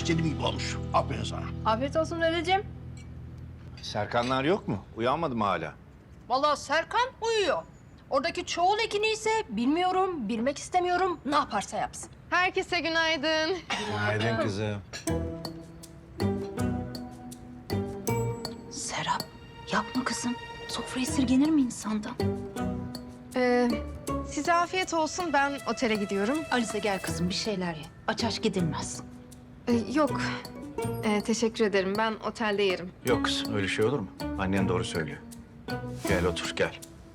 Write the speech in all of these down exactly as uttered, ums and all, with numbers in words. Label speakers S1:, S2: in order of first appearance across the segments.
S1: istediğim gibi olmuş. Aferin sana.
S2: Afiyet olsun dedeciğim.
S3: Serkanlar yok mu? Uyanmadı mı hala?
S2: Vallahi Serkan uyuyor. Oradaki çoğul ekini ise bilmiyorum, bilmek istemiyorum. Ne yaparsa yapsın.
S4: Herkese günaydın.
S3: Günaydın kızım.
S5: Serap, yapma kızım. Sofra esirgenir mi insandan?
S4: Ee, size afiyet olsun. Ben otele gidiyorum.
S5: Alize gel kızım bir şeyler ye. Aç aç gidilmez.
S4: Ee, yok. Ee, teşekkür ederim. Ben otelde yerim.
S3: Yok kızım öyle şey olur mu? Annen doğru söylüyor. Gel otur gel.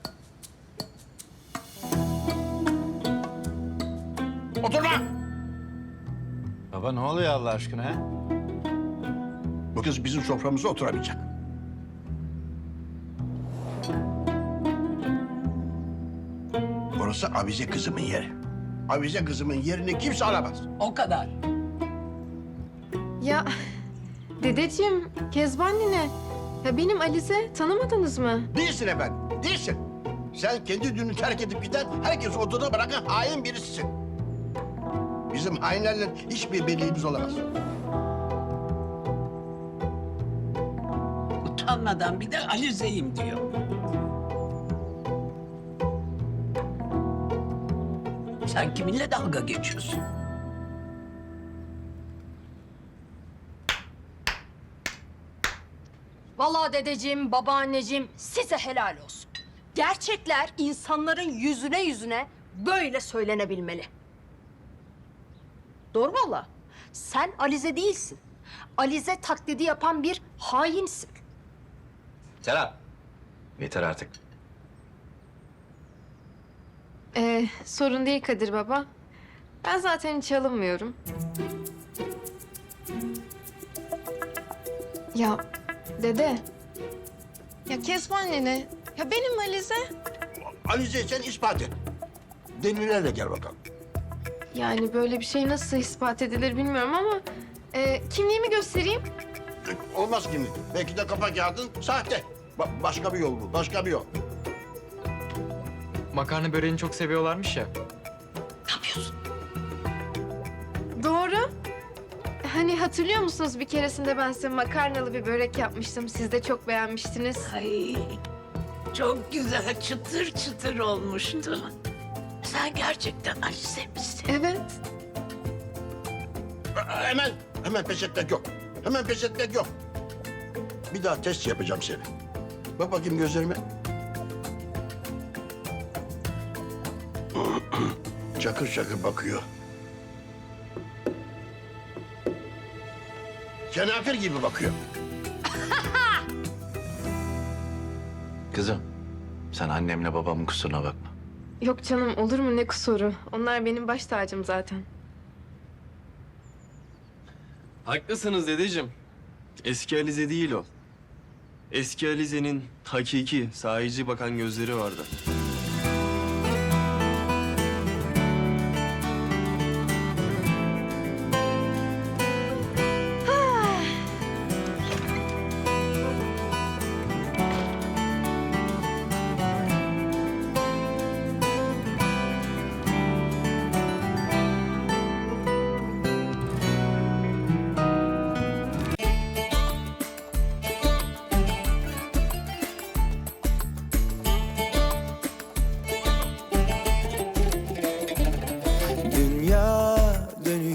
S1: Oturma!
S3: Baba ne oluyor Allah aşkına ha?
S1: Bu kız bizim soframıza oturamayacak. Burası Avize kızımın yeri. Avize kızımın yerini kimse alamaz.
S6: O kadar.
S4: Ya dedeciğim, Kezban nine. Ya benim Alize tanımadınız mı?
S1: Değilsin efendim, değilsin. Sen kendi düğünü terk edip giden, herkesi odada bırakan hain birisisin. Bizim hainlerle hiçbir birliğimiz olamaz.
S6: Utanmadan bir de Alize'yim diyor. Sen kiminle dalga geçiyorsun?
S2: Vallahi dedeciğim, babaanneciğim size helal olsun. Gerçekler insanların yüzüne yüzüne böyle söylenebilmeli. Doğru vallahi. Sen Alize değilsin. Alize taklidi yapan bir hainsin.
S3: Serap. Yeter artık.
S4: Ee, sorun değil Kadir baba. Ben zaten hiç alınmıyorum. Ya dede. Ya Kezban nene. Ya benim Alize.
S1: Alize sen ispat et. Delillerle gel bakalım.
S4: Yani böyle bir şey nasıl ispat edilir bilmiyorum ama... E, kimliğimi göstereyim.
S1: Olmaz şimdi. Belki de kafa kağıdın sahte. Ba- başka bir yol bu, başka bir yol.
S7: Makarna böreğini çok seviyorlarmış ya.
S4: Doğru. Hani hatırlıyor musunuz bir keresinde ben size makarnalı bir börek yapmıştım. Siz de çok beğenmiştiniz.
S6: Ay, çok güzel çıtır çıtır olmuştu. Sen gerçekten Alize misin?
S4: Evet.
S1: Hemen, hemen pes etmek yok. Hemen pes etmek yok. Bir daha test yapacağım seni. Bak bakayım gözlerime. Çakır çakır bakıyor. Kenafir gibi bakıyor.
S3: Kızım sen annemle babamın kusuruna bakma.
S4: Yok canım olur mu ne kusuru. Onlar benim baş tacım zaten.
S7: Haklısınız dedeciğim. Eski Alize değil o. Eski Alize'nin hakiki, sahici bakan gözleri vardı.